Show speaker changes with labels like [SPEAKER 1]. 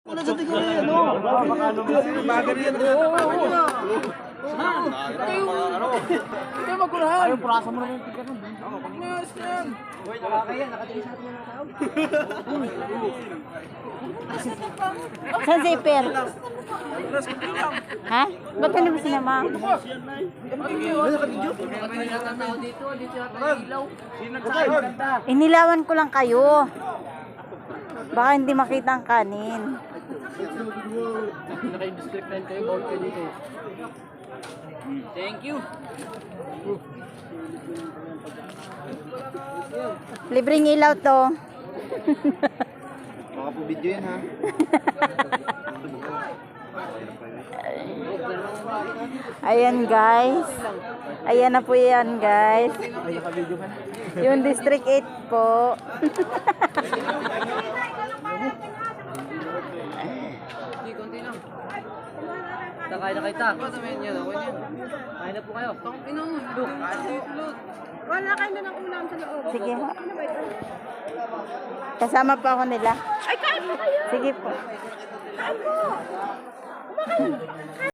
[SPEAKER 1] Wala sa tingin niya, no? Bagay yan. Ikaw magkurahan. Ayaw, prasa mo naman yung ticket nun. Mas yan. Nakakaya, nakatingin sa atin yung tao.
[SPEAKER 2] Saan si Per? Ha? Ba't hindi mo sinama? Inilawan ko lang kayo. Baka hindi makita ang kanin.
[SPEAKER 1] Naka-district line kayo, bawal kayo dito. Thank you.
[SPEAKER 2] Libreng ilaw to.
[SPEAKER 1] Baka po video yan, ha?
[SPEAKER 2] Ayan guys. Ayan na po yan guys.
[SPEAKER 1] Ay, naka-video ka.
[SPEAKER 2] Yung District 8 po.
[SPEAKER 1] Hindi, konti lang. Kain na kita. Kain na po kayo.
[SPEAKER 3] Wala kayo na ng ulam sa loob.
[SPEAKER 2] Sige ho. Kasama po ako nila.
[SPEAKER 3] Ay, kain po kayo!
[SPEAKER 2] Sige po.
[SPEAKER 3] Kain po! Kumakain!